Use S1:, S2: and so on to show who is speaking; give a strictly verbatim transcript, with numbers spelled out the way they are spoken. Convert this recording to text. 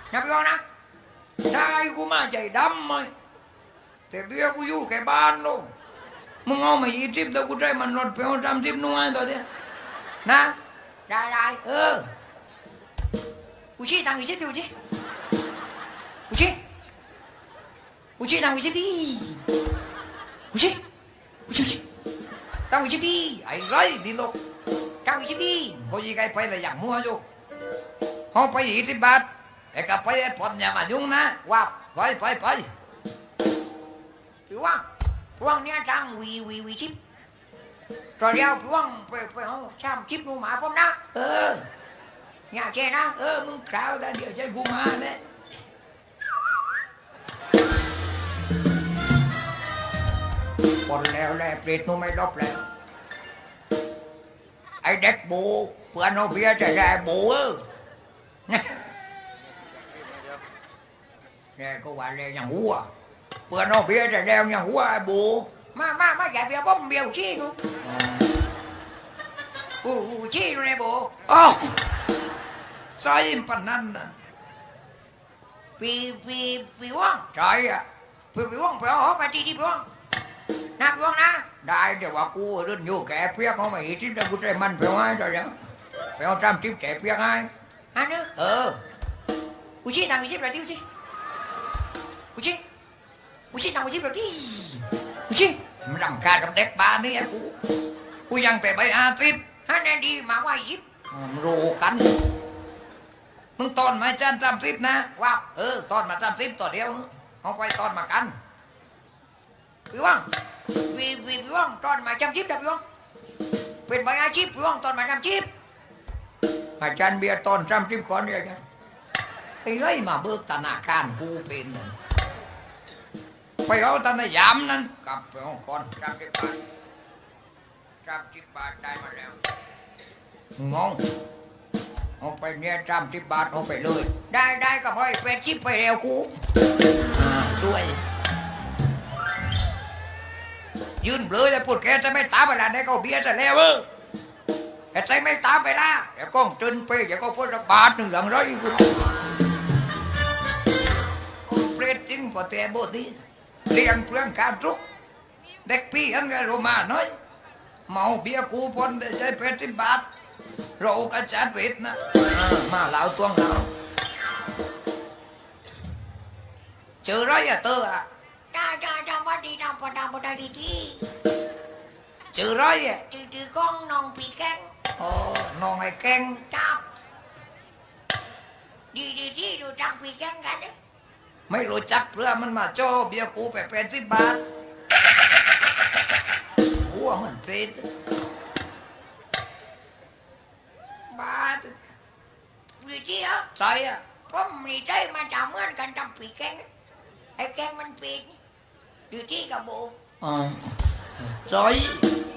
S1: นะพี่น้องนะได้กูมาใจดำไหมแต่เบี้ยกูอยู่แค่บ้านโลมึงเอามายี่สิบแต่กูได้มันรถไปเอาสามสิบนุ่งไงตัวเนี้ยนะได้ได้เออกูชี้ตังค์ยี่สิบดิกูชี้กูชี้กูชี้ตังค์ยี่สิบดิกูชี้กูชี้ตังค์ยี่สิบดิไอ้ไรดิโลตังค์ยี่สิบดิเขายี่ไงไปเลยอย่างมัวอยู่เขาไปยี่สิบบาทไอ้กับไปไอ้ปอนอย่ามายุ่งนะว่าไปไปไปพี่ว่างพี่ว่างเนี่ยตังค์วีวีวีชิปตอนเดียวพี่ว่างไปไปเอาช่ำชิปกูมาผมนะเอออย่าแค่นะเออมึงคราวแต่เดี๋ยวใจกูมาเนี่ยปนแล้วแหละเปรตนู้ไม่ลบแล้วไอ้เด็กบูเพื่อนเอาเบียร์จะได้บูเออเนี่ยก็ว่าเลยอย่างหัวเพื่อนเอาเบียร์จะได้อย่างหัวไอ้บูมามามาอย่าเบียร์ผมเบียร์ชี้หนูอู้ชี้หนูไอ้บูอ๋อใช่ปนนั่นน่ะปีปีปีว่างใช่อะปีปีว่างไปเอาไปที่ที่ปีว่างนะปีว่างนะได้เดี๋ยวว่ากูเดินอยู่แกเพียกเขาไม่ทิ้งแต่กูใจมันไปว่าเดี๋ยวเดี๋ยวไปเอาจำทิพย์แกเพียกให้ฮะเนอะเออกูชี้ตังกูชี้แบบที่กูชี้กูชี้กูชี้ตังกูชี้แบบที่กูชี้มันรำคาญกับเด็กบ้านนี่ไอ้กูกูยังแต่ใบอาทิตย์ฮะแน่ดีมาว่ายิบรู้กันมึงตอนมาจันจำทิพย์นะว่าเออตอนมาจำทิพย์ต่อเดียวเอาไปตอนมากันพี่ว่างพี่พี่พี่ว่างตอนมาจำทิพย์แต่พี่ว่างเป็นใบอาชีพพี่ว่างตอนมาจำทิพย์อาจารย์เบียร์ตอนจำทิพย์ก่อนเดียวกันไอ้ไรมาเบิกธนาคารกูเป็นไปเอาธนายามนั้นกลับไปเอาก่อนจำทิพย์บาทจำทิพย์บาทได้มาแล้วงงเอาไปเนี่ยจำทิพย์บาทเอาไปเลยได้ได้ก็พอไปชิปไปเร็วกูช่วยยืนเบลอเลยพูดแกจะไม่ตามเวลาได้ก็เบียร์จะแล้วเออแกใจไม่ตามไปละเดี๋ยวก็จนไปเดี๋ยวก็พูดบาทหนึ่งหลังร้อยกูเปรตจริงพอแต่บทนี้เลี้ยงเปลืองการทุกเด็กพี่อันไงโรมาน้อยเมาเบียร์กูพนได้ใช้เพชรสิบบาทเรากระจาดเป็ดนะมาเหล่าตวงเหล่าเจอไรอะเตออะจ้าจ้าจ้าบัดดีดำปดำปดดีดีเจอไรอะจืดจืดก้องน้องปีแกงโอ้น้องไอ้แกงจับดีดีดีดูจักปีแกงกันไม่รู้จักเพื่อมันมาโจ้เบียร์กูไปเป็นสิบบาทหัวมันเป็ดบาทวิธีอ่ะใช่อ่ะผมมีใจมาจากเหมือนกันทำปีแกงไอ้แกงมันเป็ดอยู่ที่กระโบอ๋อใช่